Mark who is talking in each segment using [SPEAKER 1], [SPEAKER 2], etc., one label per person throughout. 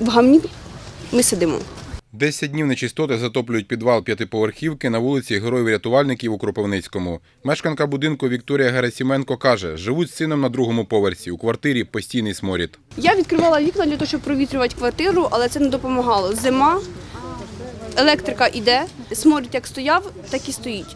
[SPEAKER 1] в гамні ми сидимо.
[SPEAKER 2] 10 днів нечистоти затоплюють підвал п'ятиповерхівки на вулиці Героїв-рятувальників у Кропивницькому. Мешканка будинку Вікторія Герасименко каже, живуть з сином на другому поверсі. У квартирі постійний сморід.
[SPEAKER 1] Я відкривала вікна для того, щоб провітрювати квартиру, але це не допомагало. Зима, електрика йде, сморід як стояв, так і стоїть.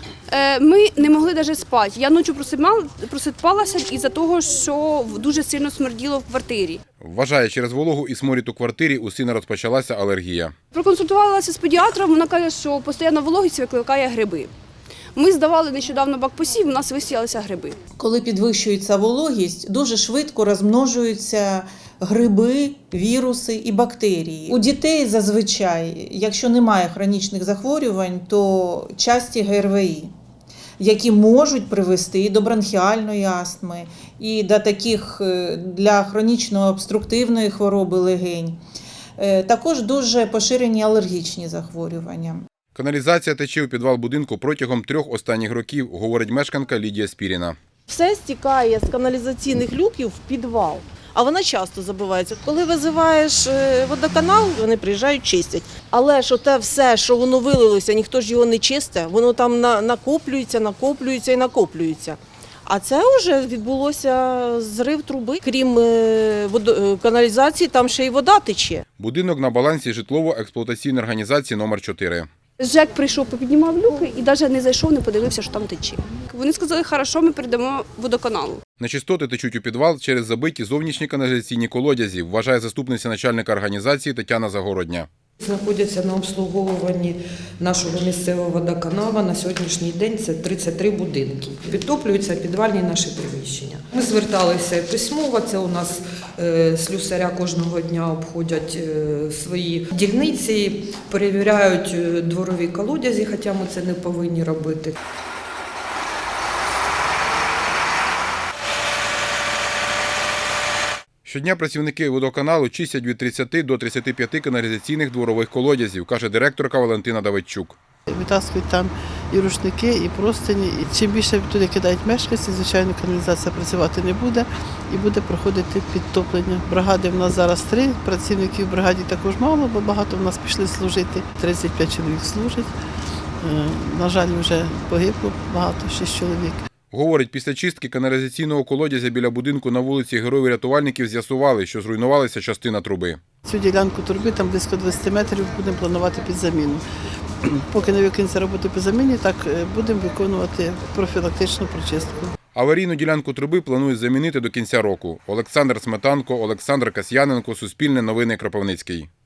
[SPEAKER 1] Ми не могли навіть спати. Я ночі просипалася із-за того, що дуже сильно смерділо в квартирі.
[SPEAKER 2] Вважає, через вологу і сморід у квартирі у сина розпочалася алергія.
[SPEAKER 1] Проконсультувалася з педіатром, вона каже, що постійна вологість викликає гриби. Ми здавали нещодавно бакпосів, у нас висіялися гриби.
[SPEAKER 3] Коли підвищується вологість, дуже швидко розмножуються гриби, віруси і бактерії. У дітей зазвичай, якщо немає хронічних захворювань, то часті ГРВІ, які можуть привести і до бронхіальної астми, і до таких для хронічно-обструктивної хвороби легень. Також дуже поширені алергічні захворювання.
[SPEAKER 2] Каналізація тече у підвал будинку протягом 3 останніх років, говорить мешканка Лідія Спіріна.
[SPEAKER 4] Все стікає з каналізаційних люків в підвал, а вона часто забивається. Коли визиваєш водоканал, вони приїжджають, чистять. Але ж оте все, що воно вилилося, ніхто ж його не чистить, воно там накоплюється і накоплюється. А це вже відбулося зрив труби. Крім каналізації, там ще й вода тече.
[SPEAKER 2] Будинок на балансі житлово-експлуатаційної організації номер 4.
[SPEAKER 1] ЖЕК прийшов, попіднімав люки і навіть не зайшов, не подивився, що там тече. Вони сказали, хорошо, ми передамо водоканалу.
[SPEAKER 2] Нечистоти течуть у підвал через забиті зовнішні каналізаційні колодязі, вважає заступниця начальника організації Тетяна Загородня.
[SPEAKER 5] Знаходяться на обслуговуванні нашого місцевого водоканалу на сьогоднішній день це 33 будинки. Підтоплюються підвальні наші приміщення. Ми зверталися письмово, це у нас слюсаря кожного дня обходять свої дільниці, перевіряють дворові колодязі, хоча ми це не повинні робити.
[SPEAKER 2] Щодня працівники водоканалу чистять від 30 до 35 каналізаційних дворових колодязів, каже директорка Валентина Давидчук.
[SPEAKER 6] Витаскують там і рушники, і простині. І чим більше туди кидають мешканці, звичайно, каналізація працювати не буде і буде проходити підтоплення. Бригади в нас зараз 3, працівників в бригаді також мало, бо багато в нас пішли служити. 35 чоловік служать. На жаль, вже погибло багато, 6 чоловік.
[SPEAKER 2] Говорить, після чистки каналізаційного колодязя біля будинку на вулиці Героїв-рятувальників з'ясували, що зруйнувалася частина труби.
[SPEAKER 6] Цю ділянку труби, там близько 20 метрів, будемо планувати під заміну. Поки не викинеться роботи по заміні, так будемо виконувати профілактичну прочистку.
[SPEAKER 2] Аварійну ділянку труби планують замінити до кінця року. Олександр Сметанко, Олександр Касьяненко, Суспільне новини, Кропивницький.